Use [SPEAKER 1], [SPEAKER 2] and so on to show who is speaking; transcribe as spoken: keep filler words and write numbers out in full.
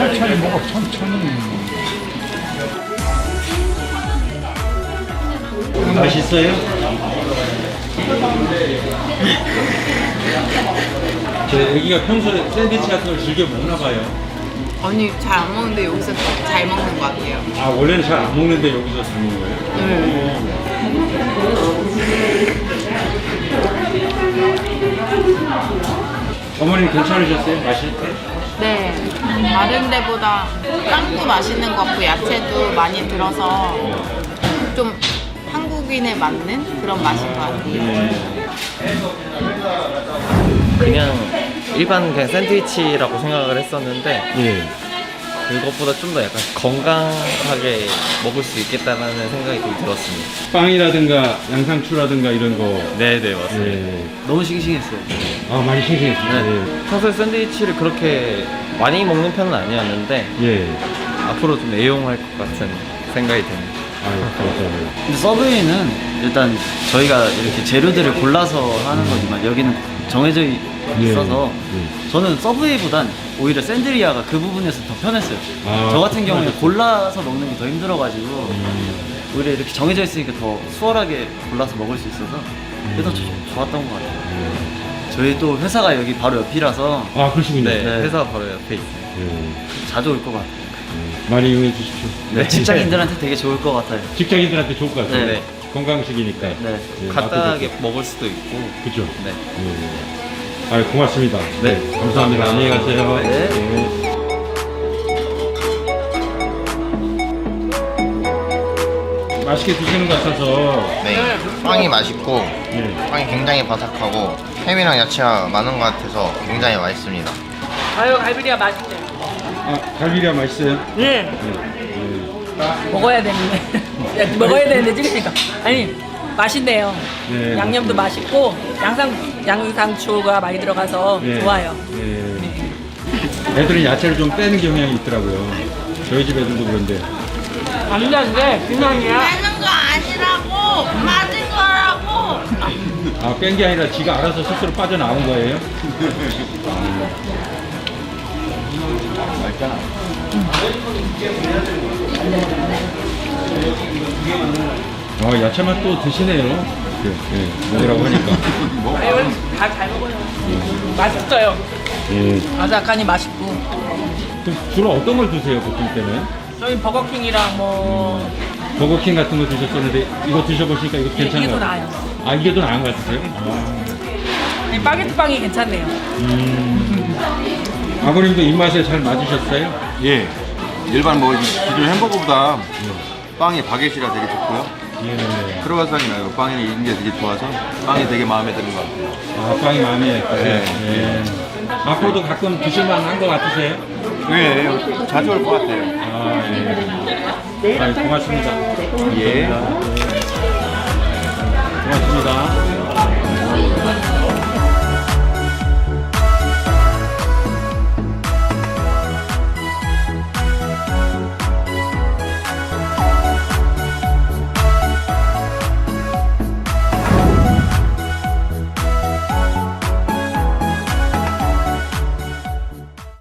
[SPEAKER 1] 천천히 먹어, 천천히. 맛있어요? 제 애기가 평소에 샌드위치 같은 걸 즐겨 먹나 봐요.
[SPEAKER 2] 아니 잘 안 먹는데 여기서 잘 먹는 것 같아요.
[SPEAKER 1] 아, 원래는 잘 안 먹는데 여기서 잘 먹는 거예요?
[SPEAKER 2] 네.
[SPEAKER 1] 어머님 괜찮으셨어요? 맛이?
[SPEAKER 2] 네. 다른 데보다 빵도 맛있는 것 같고 야채도 많이 들어서 좀 한국인에 맞는 그런 맛인 것 같아요.
[SPEAKER 3] 그냥 일반 그냥 샌드위치라고 생각을 했었는데
[SPEAKER 1] 예.
[SPEAKER 3] 그것보다 좀 더 약간 건강하게 먹을 수 있겠다라는 생각이 좀 들었습니다.
[SPEAKER 1] 빵이라든가 양상추라든가 이런 거.
[SPEAKER 3] 네네 맞습니다.
[SPEAKER 1] 예.
[SPEAKER 4] 너무 싱싱했어요.
[SPEAKER 1] 아, 많이 신기했어요.
[SPEAKER 3] 네. 평소에 샌드위치를 그렇게 많이 먹는 편은 아니었는데
[SPEAKER 1] 예. 예.
[SPEAKER 3] 앞으로 좀 애용할 것 같은 생각이 듭니다.
[SPEAKER 1] 아유, 감사합니다.
[SPEAKER 4] 근데 서브웨이는 일단 저희가 이렇게 재료들을 골라서 하는 거지만 여기는 정해져 있어서
[SPEAKER 1] 예.
[SPEAKER 4] 저는 서브웨이보단 오히려 샌드리아가 그 부분에서 더 편했어요.
[SPEAKER 1] 아,
[SPEAKER 4] 저 같은 경우에
[SPEAKER 1] 맞았어요.
[SPEAKER 4] 골라서 먹는 게 더 힘들어가지고
[SPEAKER 1] 음.
[SPEAKER 4] 오히려 이렇게 정해져 있으니까 더 수월하게 골라서 먹을 수 있어서 그게 더 조- 좋았던 것 같아요. 저희 또 회사가 여기 바로 옆이라서
[SPEAKER 1] 아, 그러시군요.
[SPEAKER 3] 네,
[SPEAKER 4] 네.
[SPEAKER 3] 회사 바로 옆에 있어요.
[SPEAKER 1] 예.
[SPEAKER 4] 자주 올 것 같아요.
[SPEAKER 1] 많이 이용해 주십시오.
[SPEAKER 4] 네, 직장인들한테 되게 좋을 것 같아요.
[SPEAKER 1] 직장인들한테 좋을 것 같아요.
[SPEAKER 3] 네.
[SPEAKER 1] 건강식이니까.
[SPEAKER 4] 네.
[SPEAKER 1] 예,
[SPEAKER 3] 간단하게
[SPEAKER 1] 맛도
[SPEAKER 3] 먹을 수도 있고.
[SPEAKER 1] 좋고. 그죠?
[SPEAKER 3] 네.
[SPEAKER 1] 예. 아, 고맙습니다.
[SPEAKER 3] 네.
[SPEAKER 1] 감사합니다. 안녕히 가세요.
[SPEAKER 4] 네.
[SPEAKER 1] 예. 맛있게 드시는 것 같아서.
[SPEAKER 5] 네, 빵이 맛있고
[SPEAKER 1] 예.
[SPEAKER 5] 빵이 굉장히 바삭하고 햄이랑 야채가 많은 것 같아서 굉장히 맛있습니다.
[SPEAKER 6] 아유 갈비리아 맛있네.
[SPEAKER 1] 아, 갈비리아 맛있어요?
[SPEAKER 6] 네.
[SPEAKER 1] 예.
[SPEAKER 6] 먹어야 되는데. 야, 먹어야 되는데 찍으니까. 아니 맛있네요.
[SPEAKER 1] 네,
[SPEAKER 6] 양념도
[SPEAKER 1] 맞습니다.
[SPEAKER 6] 맛있고 양상 양상추가 많이 들어가서
[SPEAKER 1] 예.
[SPEAKER 6] 좋아요.
[SPEAKER 1] 예. 애들은 야채를 좀 빼는 경향이 있더라고요. 저희 집 애들도 그런데.
[SPEAKER 6] 안되는데 비만이야.
[SPEAKER 2] 빼는 거 아니라고 맞은 거라고.
[SPEAKER 1] 아, 뺀 게 아니라 지가 알아서 스스로 빠져나온 거예요? 아, 야채 맛도 드시네요. 예, 예, 먹으라고 하니까.
[SPEAKER 6] 아유 다잘 먹어요. 맛있어요.
[SPEAKER 1] 예.
[SPEAKER 6] 아삭하니 맛있고.
[SPEAKER 1] 그럼 주로 어떤 걸 드세요, 보통 때는?
[SPEAKER 6] 저희 버거킹이랑 뭐
[SPEAKER 1] 버거킹 같은 거 드셨었는데, 이거 드셔보시니까 이거
[SPEAKER 6] 이게
[SPEAKER 1] 괜찮아요?
[SPEAKER 6] 더 나아요.
[SPEAKER 1] 아, 이게 더 나은 것 같으세요? 아.
[SPEAKER 6] 이 바게트 빵이 괜찮네요.
[SPEAKER 1] 음. 아버님도 입맛에 잘 맞으셨어요?
[SPEAKER 7] 예. 일반 뭐 기존 햄버거보다 빵이 바게트가 되게 좋고요.
[SPEAKER 1] 예.
[SPEAKER 7] 크로와상이 나요. 빵이 있는 게 되게 좋아서 빵이 되게 마음에 드는 것 같아요.
[SPEAKER 1] 아, 빵이 마음에 드세요?
[SPEAKER 7] 네.
[SPEAKER 1] 예. 앞으로도 가끔 드실만 한 것 같으세요?
[SPEAKER 7] 네, 자주 올 것 같아요.
[SPEAKER 1] 아, 예. 아, 고맙습니다.
[SPEAKER 7] 예.
[SPEAKER 1] 고맙습니다.